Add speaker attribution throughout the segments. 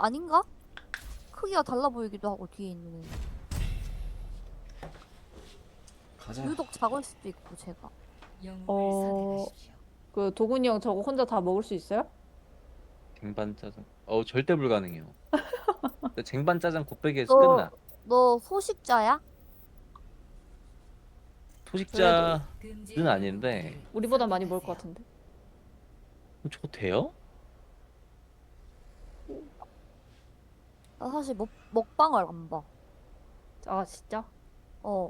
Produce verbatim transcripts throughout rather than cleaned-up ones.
Speaker 1: 아닌가? 크기가 달라 보이기도 하고 뒤에 있는
Speaker 2: 가자.
Speaker 1: 유독 작을 수도 있고 제가.
Speaker 3: 어, 그 도군이 형 저거 혼자 다 먹을 수 있어요?
Speaker 4: 쟁반 짜장. 어 절대 불가능해요. 근데 쟁반 짜장 곱빼기에서
Speaker 1: 너-
Speaker 4: 끝나.
Speaker 1: 너 소식자야?
Speaker 4: 소식자는 아닌데
Speaker 3: 우리보다 많이 먹을 것 같은데.
Speaker 4: 저거 돼요?
Speaker 1: 나 사실 먹, 먹방을 안 봐.
Speaker 3: 아 진짜?
Speaker 1: 어.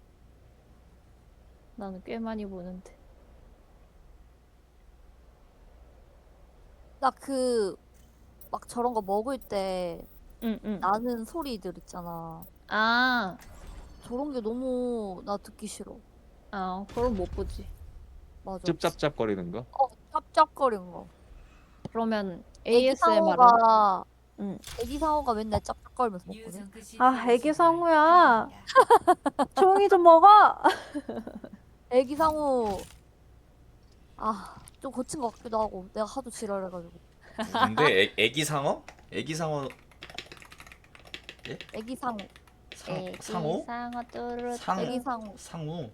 Speaker 3: 나는 꽤 많이 보는데.
Speaker 1: 나 그 막 저런 거 먹을 때
Speaker 3: 응 응.
Speaker 1: 나는 소리들 있잖아.
Speaker 3: 아,
Speaker 1: 저런 게 너무 나 듣기 싫어.
Speaker 3: 아 그럼 못 보지.
Speaker 1: 맞아.
Speaker 4: 짭짭짭거리는 거?
Speaker 1: 어, 짭짭거리는 거.
Speaker 3: 그러면
Speaker 1: 애기
Speaker 3: 에이에스엠알은?
Speaker 1: 상어가
Speaker 3: 응.
Speaker 1: 애기 상어가 맨날 짭짭거리면서 먹거든.
Speaker 3: 아 애기 상우야. 조용히 좀 먹어.
Speaker 1: 애기 상어 아, 좀 거친 것 같기도 하고 내가 하도 지랄해가지고.
Speaker 2: 근데 애, 애기 상어? 애기 상어
Speaker 1: 애기 상어.
Speaker 2: 상
Speaker 3: 애기
Speaker 2: 상어?
Speaker 3: 상어 뚜루.
Speaker 2: 상
Speaker 1: 애기 상어.
Speaker 2: 상우.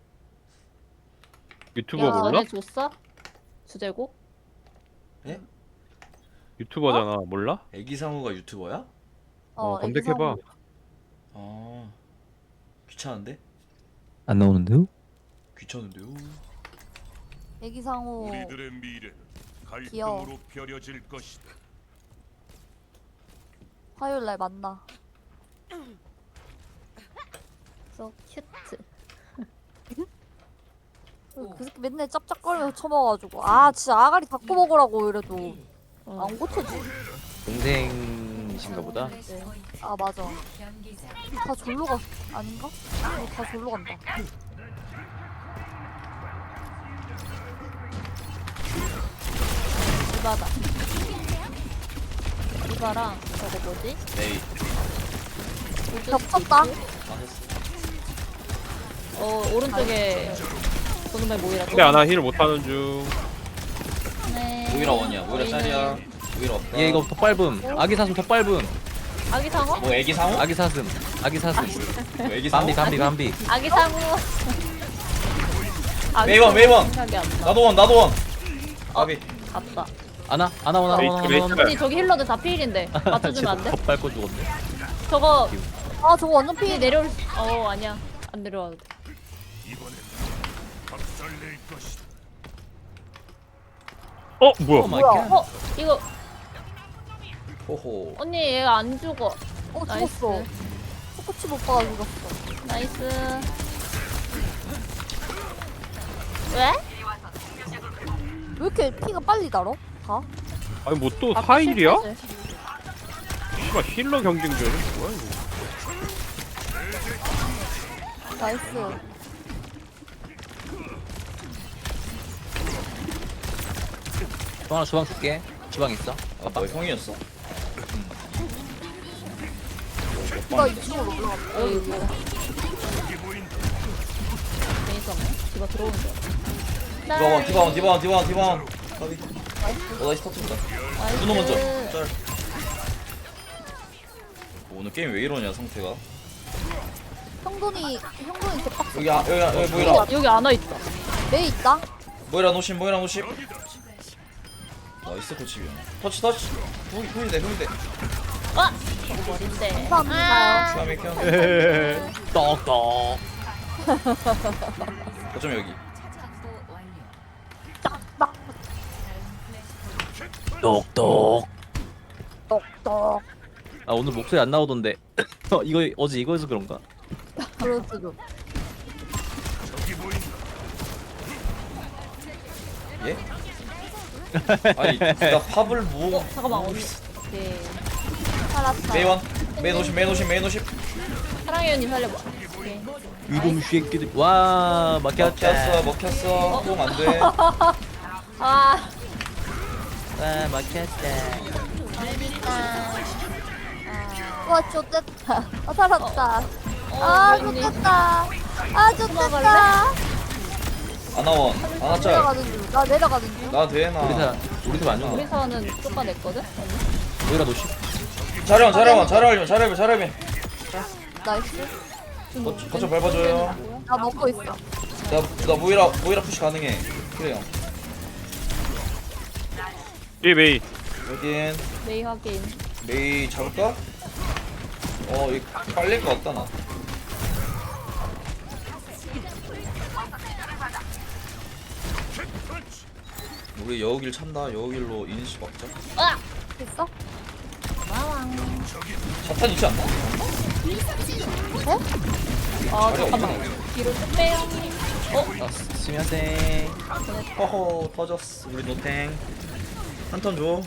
Speaker 5: 유튜버
Speaker 1: 야,
Speaker 5: 몰라?
Speaker 3: 전에 줬어? 주제곡?
Speaker 2: 예?
Speaker 5: 유튜버잖아. 몰라?
Speaker 2: 애기 상우가 유튜버야?
Speaker 5: 어,
Speaker 1: 애기
Speaker 5: 검색해봐.
Speaker 1: 상어.
Speaker 2: 아 귀찮은데?
Speaker 4: 안 나오는데요?
Speaker 2: 귀찮은데요?
Speaker 1: 애기 상어.
Speaker 6: 우리들의 미래는
Speaker 1: 귀여워.
Speaker 6: 갈등으로 벼려질 것이다.
Speaker 1: 화요일 날 만나.
Speaker 3: So cute.
Speaker 1: 그 새끼 맨날 짭짭거리면서 쳐먹어가지고 아 진짜 아가리 닦고 먹으라고 이래도
Speaker 3: 어.
Speaker 1: 안 고쳐지.
Speaker 4: 동생이신가 보다.
Speaker 1: 네. 아 맞아. 다 졸로 가 아닌가? 어, 다 졸로 간다.
Speaker 3: 이바다. 이바랑 저거 뭐지?
Speaker 2: 에이
Speaker 1: 겹쳤다.
Speaker 2: 망했어.
Speaker 3: 어 오른쪽에 보는말 모이라.
Speaker 5: 근데 아나 힐 못하는 중.
Speaker 3: 네.
Speaker 2: 모이라 원이야. 모이라 짤이야. 모이라 없다.
Speaker 4: 얘 이거 덧밟음. 아기 사슴 덧밟음.
Speaker 3: 아기 상어?
Speaker 2: 뭐 애기 상우?
Speaker 4: 아기 사슴. 아기 사슴.
Speaker 2: 뭐 애기 상우?
Speaker 4: 밤비 밤비 밤비.
Speaker 3: 아기 상어. 아기
Speaker 2: 메이원,
Speaker 3: 상어
Speaker 2: 메이원.
Speaker 3: 생각이 안 나.
Speaker 2: 나도 원 나도 원. 아비.
Speaker 3: 갔다.
Speaker 4: 아나 아나 오나
Speaker 5: 메이트,
Speaker 4: 오나
Speaker 5: 메이트.
Speaker 4: 오나.
Speaker 3: 언니 저기 힐러들 다 필인데 맞춰주면 안 돼?
Speaker 4: 덧밟고 죽었네.
Speaker 3: 저거
Speaker 1: 아 저거 완전
Speaker 3: 피
Speaker 1: 피.
Speaker 3: 내려올 수... 어 아니야 안 내려와도 돼.
Speaker 6: 이번엔 박살낼 것이다.
Speaker 5: 어 뭐야?
Speaker 4: 오 마이
Speaker 1: 뭐야?
Speaker 4: 갓.
Speaker 3: 어 이거
Speaker 2: 호호.
Speaker 3: 언니 얘가 안 죽어.
Speaker 1: 어
Speaker 3: 나이스.
Speaker 1: 죽었어. 코코치 못 봐가 죽었어.
Speaker 3: 나이스. 왜?
Speaker 1: 왜 이렇게 피가 빨리 달어? 다?
Speaker 5: 아니 뭐 또
Speaker 3: 아,
Speaker 5: 사 일이야?
Speaker 3: 실패지.
Speaker 5: 씨발 힐러 경쟁전이 뭐야 이거?
Speaker 1: 나이스.
Speaker 4: 또 하나 주방 줄게. 주방 있어.
Speaker 2: 아, 뭐 형이었어?
Speaker 1: 피가 이쪽으로 올라갔다.
Speaker 3: 어 이거 괜히 썼네. 디바 들어오는 줄 알았어.
Speaker 2: 디바원, 디바원, 디바원, 디바원, 디바원. 가비. 어, 나이스 터트린다. 준호 먼저. 짤. 오늘 게임 왜 이러냐 상태가.
Speaker 1: 형돈이 형돈이 대박.
Speaker 2: 여기 아, 여기 아, 여기 모이라.
Speaker 3: 여기 안와 있다.
Speaker 1: 매 있다.
Speaker 2: 모이라 노심, 모이라 노심. 나이스 코치비. 터치 터치. 후이 후이대 후이대.
Speaker 3: 아 저거 머린데.
Speaker 1: 감사합니다.
Speaker 2: 다음에 켜.
Speaker 4: 떡떡.
Speaker 2: 어쩜 여기.
Speaker 4: 떡떡.
Speaker 1: 똑똑.
Speaker 4: 아 오늘 목소리 안 나오던데. 어, 이거 어제 이거에서 그런가?
Speaker 1: 그럴 수도.
Speaker 6: 저기 보인다.
Speaker 2: 예? 아니 나 팝을 뭐?
Speaker 3: 어 잠깐만 언니. 오케이.
Speaker 1: 살았다.
Speaker 2: 메이원, 메이 노심, 메이 노심, 메이 노심.
Speaker 3: 사랑해 언니 살려봐. 오케이.
Speaker 4: 이놈 쉐끼들. 와
Speaker 2: 먹혔어,
Speaker 4: 막혔다.
Speaker 2: 먹혔어. 똥 안 돼.
Speaker 3: 아
Speaker 4: 와 막혔다.
Speaker 1: 와 좋댔다. 아 살았다.
Speaker 3: 어,
Speaker 1: 아
Speaker 3: 언니.
Speaker 1: 좋댔다. 아 좋댔다.
Speaker 2: 아나원, 아나짤.
Speaker 1: 내려가는 중. 나 내려가는 중.
Speaker 2: 나 되나?
Speaker 4: 우리 사 우리 사안
Speaker 3: 우리
Speaker 4: 죽나?
Speaker 3: 사는 쫓아냈거든. 언니.
Speaker 4: 오히려 노시.
Speaker 2: 자려만 자려만 자려면 자려면 자려면
Speaker 1: 나이스.
Speaker 2: 거쳐 밟아줘요.
Speaker 1: 나 먹고 있어.
Speaker 2: 나나 모이라 모이라 푸시 가능해. 그래요.
Speaker 5: 이 메이.
Speaker 2: 여긴
Speaker 3: 메이 확인.
Speaker 2: 메이 잡을까? 어 이거 빨릴 것 같다 나. 우리 여우길 찬다. 여우길로 이니시 막자.
Speaker 1: 됐어?
Speaker 2: 자탄 있지 않나?
Speaker 3: 아
Speaker 2: 자리
Speaker 3: 잠깐만.
Speaker 2: 없잖아.
Speaker 3: 뒤로 좀 빼요.
Speaker 4: 어? 스미마셍.
Speaker 2: 허허 터졌어. 우리 노탱 한 턴 줘.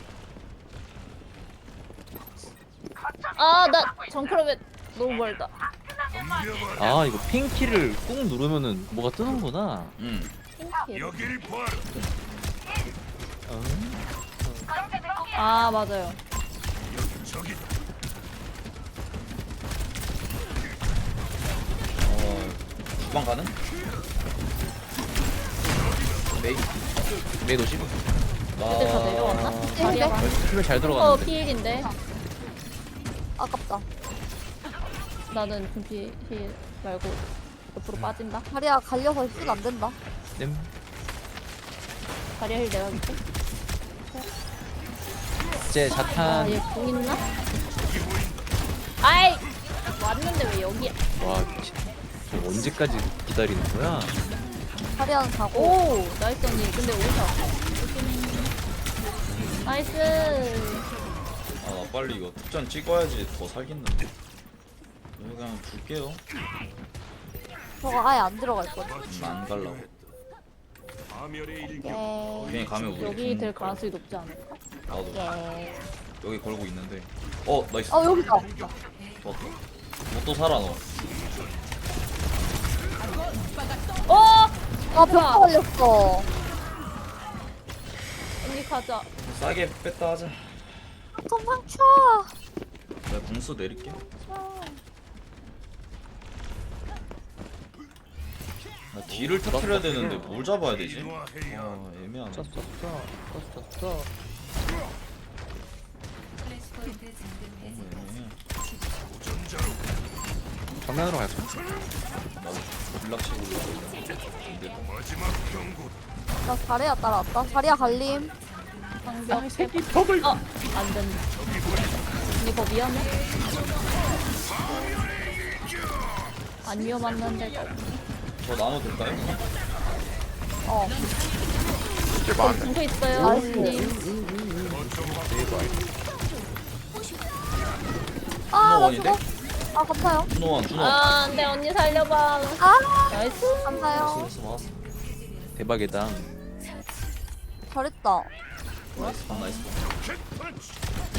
Speaker 3: 아나 정크로벳 너무 멀다.
Speaker 4: 아 이거 핑키를 꾹 누르면은 뭐가 뜨는구나.
Speaker 2: 응.
Speaker 3: 핑키.
Speaker 6: 여길 봐라.
Speaker 4: 어?
Speaker 3: 아 맞아요.
Speaker 6: 저기
Speaker 2: 어 주방 가는? 메이.
Speaker 4: 메이 도시.
Speaker 3: 애들 다 내려왔나?
Speaker 1: 네.
Speaker 3: 자리야.
Speaker 4: 힐잘
Speaker 3: 어
Speaker 4: 들어갔는데.
Speaker 3: 피일인데.
Speaker 1: 아깝다.
Speaker 3: 나는 금피 힐 말고 옆으로 빠진다.
Speaker 1: 다리야 갈려서 힐 안 된다.
Speaker 4: 님.
Speaker 3: 자리야 힐 내가 줄게.
Speaker 4: 이제 자탄.
Speaker 3: 아얘 공 있나? 아이 왔는데 왜 여기야?
Speaker 4: 와 미친. 저 언제까지 기다리는 거야?
Speaker 1: 다리야는 자고.
Speaker 3: 오 나이스 언니. 근데 오셔. 나이스.
Speaker 2: 아 나 빨리 이거 특전 찍어야지 더 살겠는데. 여기 그냥 줄게요.
Speaker 1: 저거 아예 안 들어갈 거야.
Speaker 2: 음, 안 갈라고.
Speaker 6: 파멸의 일격.
Speaker 1: 예.
Speaker 2: 괜히 가면 우리
Speaker 3: 여기
Speaker 2: 죽는
Speaker 3: 될
Speaker 2: 거야.
Speaker 3: 가능성이 높지 않을까?
Speaker 2: 나도
Speaker 1: 예.
Speaker 2: 여기 걸고 있는데. 어 나이스.
Speaker 1: 어 여기다.
Speaker 2: 좋았다. 뭐또 살아 너.
Speaker 3: 어!
Speaker 1: 아 벽화 걸렸어.
Speaker 3: 언니 가자.
Speaker 2: 싸게 뺐다 하자.
Speaker 1: 도망쳐.
Speaker 2: 내가 궁수 내릴게. 나 뒤를 터트려야 되는데 뭘 잡아야 되지?
Speaker 6: 인화해야
Speaker 2: 아 애매하네.
Speaker 4: 썼어 썼어 썼어 썼어.
Speaker 2: 너무 애매해.
Speaker 6: 도전자로
Speaker 4: 정면으로 갈까?
Speaker 2: 나도 불락치고 올라가야
Speaker 6: 마지막 경고.
Speaker 1: 나 다리야 따라왔다. 다리야 갈림.
Speaker 3: 방벽 새끼 벽을. 어! 안 된다. 언니 거 위험해? 안 위험했는데.
Speaker 2: 저 나눠 될까요?
Speaker 1: 어.
Speaker 3: 저기 중소 있어요. 언니.
Speaker 1: 아나
Speaker 2: 준호원인데?
Speaker 1: 죽어. 아 감사요.
Speaker 2: 준호원 준호.
Speaker 3: 아, 안돼 언니 살려봐.
Speaker 1: 아
Speaker 3: 나이스.
Speaker 1: 감사요.
Speaker 2: 막았어 막았어.
Speaker 4: 대박이다.
Speaker 1: 잘했다.
Speaker 2: 나이스 방 나이스 방.
Speaker 6: 킥펀치.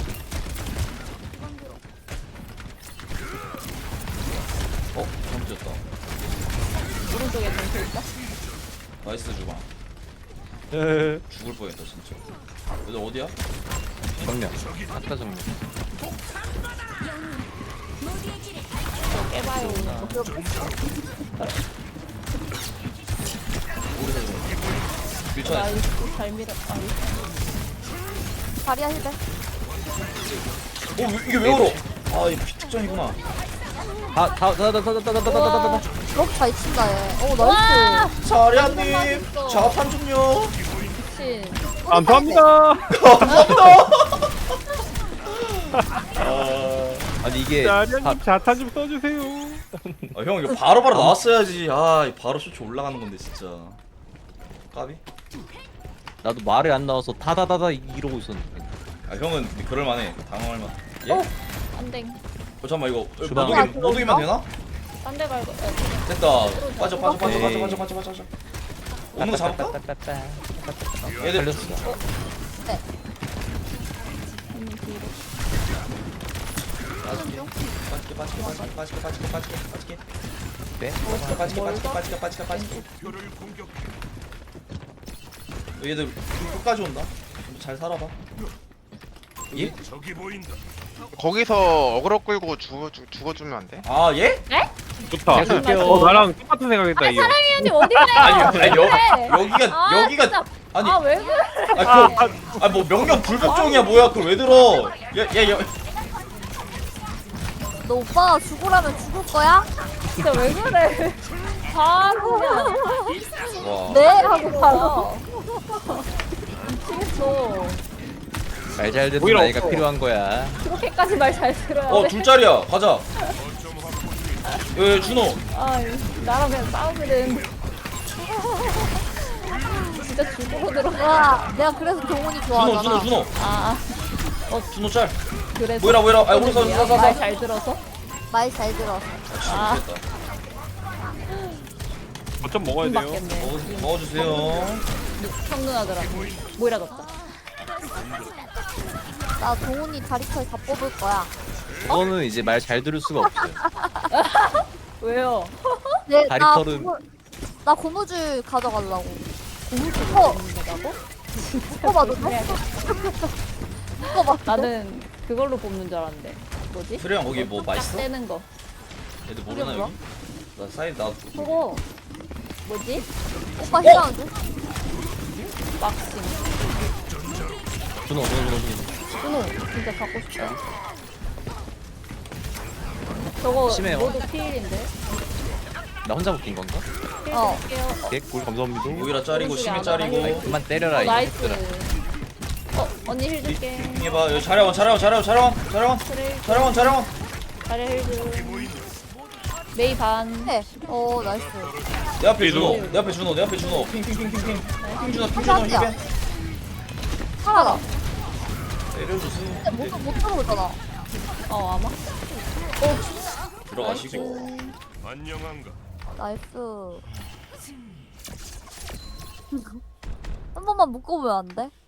Speaker 2: 어? 잘못 뛰었다.
Speaker 3: 오른쪽에 중소 있다.
Speaker 2: 나이스 주방. 죽을 뻔했다 진짜. 얘들 어디야?
Speaker 4: 정면. 아까 정면.
Speaker 3: 저 깨봐요.
Speaker 2: 우리서 좀. 밀쳐냈어.
Speaker 3: 나이스. 잘 밀었다.
Speaker 1: 다리야 힐백.
Speaker 2: 어 왜- 이게 왜 얼어? 아 이거 피특전이구나.
Speaker 4: 다다다다다다다다다다.
Speaker 1: 이렇게 잘 친다 얘. 오 나이스.
Speaker 2: 자리아님 자탄 좀요.
Speaker 3: 미친.
Speaker 5: 감사합니다.
Speaker 2: 아,
Speaker 4: 아니 이게
Speaker 5: 자리아님
Speaker 4: 다,
Speaker 5: 자탄 좀 써주세요.
Speaker 2: 아, 형 이거 바로바로 나왔어야지. 아 이거 바로 쇼츠 올라가는 건데 진짜. 까비?
Speaker 4: 나도 말이 안 나와서 다다다다 이러고 있었는데.
Speaker 2: 아 형은 그럴만해. 당황할만. 예?
Speaker 3: 어?
Speaker 2: 어?
Speaker 3: 안댕.
Speaker 2: 잠깐만 이거
Speaker 4: 주방.
Speaker 2: 모독이 모독이면 되나?
Speaker 3: 딴데 갈고. 어,
Speaker 2: 됐다. 빠져 빠져 빠져
Speaker 4: 오케이.
Speaker 2: 빠져 빠져 빠져 빠져 빠져. 오는 거 잡을까?
Speaker 4: 빠빠빠빠빠.
Speaker 2: 얘들
Speaker 4: 살렸어.
Speaker 3: 언니 뒤로.
Speaker 2: 빠질게 빠질게 빠질게 빠질게 빠질게 빠질게 빠질게
Speaker 4: 네?
Speaker 2: 빠질게 빠질게 빠질게 빠질게 빠질게 빠질게.
Speaker 6: 표를 공격.
Speaker 2: 얘들 끝까지 온다. 잘 살아봐. 예?
Speaker 6: 저기 보인다.
Speaker 7: 거기서 어그로 끌고 죽어 주, 죽어주면 안 돼?
Speaker 2: 아 예?
Speaker 5: 좋다.
Speaker 4: 계속 할게요.
Speaker 5: 어 나랑 똑같은 생각했다 이거.
Speaker 3: 사랑해야지 어디 가요?
Speaker 2: 아니 아니 여,
Speaker 3: 그래.
Speaker 2: 여기가
Speaker 3: 아,
Speaker 2: 여기가
Speaker 3: 진짜.
Speaker 2: 아니
Speaker 3: 아 왜 그래?
Speaker 2: 아뭐 명령 불복종이야 뭐야 그걸 왜 들어? 야야 야,
Speaker 1: 너 오빠가 죽으라면 죽을 거야?
Speaker 3: 진짜 왜 그래? 바보야.
Speaker 2: 와.
Speaker 1: 네 하고 바로.
Speaker 3: 미치겠어.
Speaker 4: 말 잘 듣는
Speaker 5: 오히려
Speaker 4: 나이가
Speaker 5: 없어.
Speaker 4: 필요한 거야.
Speaker 3: 그렇게까지 말 잘 들어야
Speaker 2: 어
Speaker 3: 돼.
Speaker 2: 둘짜리야. 가자. 예 준호.
Speaker 3: 아, 나랑 그냥 싸우게 되는데. 진짜 죽으로 들어가.
Speaker 1: 내가 내가 그래서 동훈이
Speaker 2: 준호
Speaker 1: 좋아하잖아.
Speaker 2: 준호 준호.
Speaker 3: 아,
Speaker 2: 준호 짤.
Speaker 3: 그래서.
Speaker 2: 뭐이라 뭐이라. 아 오른손
Speaker 3: 말
Speaker 2: 사사사.
Speaker 3: 잘 들어서?
Speaker 1: 말 잘 들어.
Speaker 3: 아.
Speaker 5: 어쩜 먹어야
Speaker 3: 돈
Speaker 5: 돼요?
Speaker 3: 받겠네.
Speaker 2: 먹어 먹어주세요.
Speaker 3: 형 누나들아. 모이라 졌다.
Speaker 1: 나 동훈이 다리털 다 뽑을 거야.
Speaker 4: 그거는 이제 말 잘 들을 수가 없어요.
Speaker 3: 왜요?
Speaker 1: 네, 나
Speaker 4: 다리털은-
Speaker 1: 고무, 나 고무줄 가져가려고. 고무줄 어
Speaker 3: 된다고?
Speaker 1: 묶어봐도 돼? 묶어봐.
Speaker 3: 나는 그걸로 뽑는 줄 알았는데. 뭐지?
Speaker 2: 수리 형 거기 뭐
Speaker 3: 딱
Speaker 2: 맛있어?
Speaker 3: 떼는 거.
Speaker 2: 애들 모르나
Speaker 1: 이게
Speaker 2: 여기? 나 사이 나.
Speaker 3: 그거 뭐지?
Speaker 1: 오빠 싫어하는데?
Speaker 3: 막심.
Speaker 4: 준호, 준호, 준호, 준호.
Speaker 3: 준호 진짜 갖고 싶다. 저거
Speaker 4: 심해요.
Speaker 3: 모두 피일인데.
Speaker 4: 나 혼자 묶인 건가?
Speaker 3: 피일
Speaker 1: 어.
Speaker 3: 드릴게요.
Speaker 4: 개꿀 감사합니다.
Speaker 2: 오히려 짤이고
Speaker 3: 오른쪽에
Speaker 2: 심해
Speaker 3: 안
Speaker 2: 짤이고.
Speaker 3: 하나
Speaker 4: 그만 때려라
Speaker 3: 어,
Speaker 4: 이
Speaker 3: 나이스.
Speaker 4: 녀석들아.
Speaker 3: 어 언니 힐 줄게.
Speaker 2: 해봐. 여기 자려원 자려원 자려원 자려원 자려원
Speaker 3: 그래.
Speaker 2: 자려원 자려원.
Speaker 3: 자리 힐 줄. 메이 반.
Speaker 1: 해. 어 나이스.
Speaker 2: 내 앞에 준호. 내 앞에 준호. 내 앞에 준호. 핑핑핑핑핑. 핑 준호 핑 준호
Speaker 1: 감사합니다.
Speaker 2: 힐벤.
Speaker 1: 살아라.
Speaker 2: 때려주세요.
Speaker 1: 근데 못, 못 들어오잖아.
Speaker 3: 어 아마.
Speaker 2: 들어가시고.
Speaker 6: 안녕한가.
Speaker 1: 나이스. 한 번만 묶어보면 안 돼?